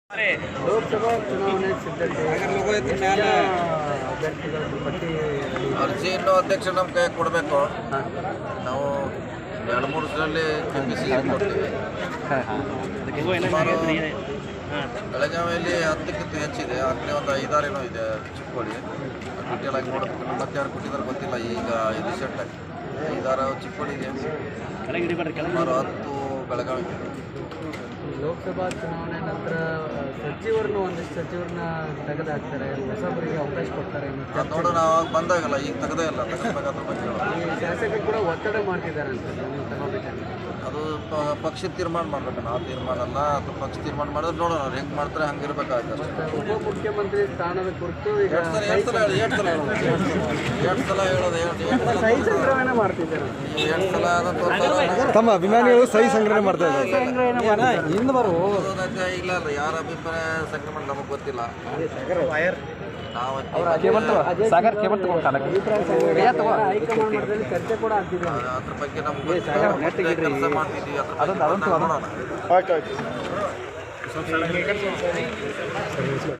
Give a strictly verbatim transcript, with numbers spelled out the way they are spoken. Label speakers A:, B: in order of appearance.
A: ಲೋಕಸಭಾ ಚುನಾವಣೆ ಸಿದ್ಧತೆ ಅಭ್ಯರ್ಥಿಗಳ ಪಟ್ಟಿ
B: ಅರ್ಜಿ ಇನ್ನೂ ಅಧ್ಯಕ್ಷ ನಮ್ಮ ಕೈ ಕೊಡಬೇಕು. ನಾವು ಎರಡು ಮೂರು ದಿನದಲ್ಲಿ ಕೆ ಪಿ ಸಿ ಕೊಡ್ತೀವಿ. ಬೆಳಗಾವಿಯಲ್ಲಿ ಹತ್ತಕ್ಕಿಂತ ಹೆಚ್ಚಿದೆ. ಆಗಲೇ ಒಂದು ಐದಾರು ಏನೋ ಇದೆ ಚಿಕ್ಕೋಡಿ. ಡೀಟೇಲ್ ಆಗಿ ನೋಡೋದಕ್ಕೆ ಮತ್ತೆ ಯಾರು ಕೊಟ್ಟಿದ್ದಾರೆ ಗೊತ್ತಿಲ್ಲ. ಈಗ ಇದು ಸೆಟ್ ಆಗಿ ಐದಾರು ಚಿಕ್ಕೋಡಿಗೆ ಸುಮಾರು ಹತ್ತು ಬೆಳಗಾವಿಗೆ.
A: ಲೋಕಸಭಾ ಚುನಾವಣೆ ನಂತರ ಸಚಿವರನ್ನು ಒಂದಿಷ್ಟು ಸಚಿವರನ್ನ ತೆಗೆದುಹಾಕ್ತಾರೆ, ಹೊಸಬರಿಗೆ ಅವಕಾಶ ಕೊಡ್ತಾರೆ.
B: ನೋಡೋಣ, ಅವಾಗ ಬಂದಾಗಲ್ಲ, ಈಗ ತೆಗೆದೇ ಇಲ್ಲ. ತೆಗೆದಾಗ ಅದ್ರ ಬಗ್ಗೆ
A: ಈ ಶಾಸಕರು ಕೂಡ ಒತ್ತಡ ಮಾಡ್ತಿದ್ದಾರೆ ಅಂತ ನೀವು ತಗೋಬೇಕಂತ.
B: ಅದು ಪಕ್ಷ ತೀರ್ಮಾನ ಮಾಡ್ಬೇಕು. ನಾವು ತೀರ್ಮಾನ ಅಲ್ಲ, ಅದು ಪಕ್ಷ ತೀರ್ಮಾನ ಮಾಡಿದ್ರೆ ನೋಡೋಣ ಅವ್ರು ಹೆಂಗೆ ಮಾಡ್ತಾರೆ ಹಂಗೆ ಇರಬೇಕಾಗುತ್ತೆ.
A: ಉಪಮುಖ್ಯಮಂತ್ರಿ ಸ್ಥಾನದ ಕುರಿತು ಈಗ
B: ಎರಡು ಸಲ ಎರಡು ಸಲ ಹೇಳಿ ಎರಡು ಸಲ ಹೇಳೋದು ಎರಡು ಸಲ ಹೇಳೋದು ಎರಡು
A: ಸಹಿ ಸಂಗ್ರಹಣೆ ಮಾಡ್ತಿದ್ದಾರೆ.
B: ಎರಡು ಸಲ ಅದನ್ನು
C: ತಮ್ಮ ಅಭಿಮಾನಿಗಳು ಸಹಿ ಸಂಗ್ರಹಣೆ ಮಾಡ್ತಾ ಇದ್ದಾರೆ.
A: ಹಿಂದೆ ಬರು
B: ಇಲ್ಲ ಅಲ್ಲ, ಯಾರ ಅಭಿಪ್ರಾಯ ಸಂಗ್ರಹಣೆ ನಮಗೆ ಗೊತ್ತಿಲ್ಲ. ನಾವು
A: ಹೈಕಮಾಂಡ್ ಮಟ್ಟದಲ್ಲಿ ಚರ್ಚೆ ಕೂಡ ಆಗ್ತಿದೆ.
B: ಅದ್ರ ಬಗ್ಗೆ ನಮ್ಗೆ ಕೆಲಸ ಮಾಡ್ತಿದ್ದೀವಿ. ಅದ್ರ ಬಗ್ಗೆ ನೋಡೋಣ.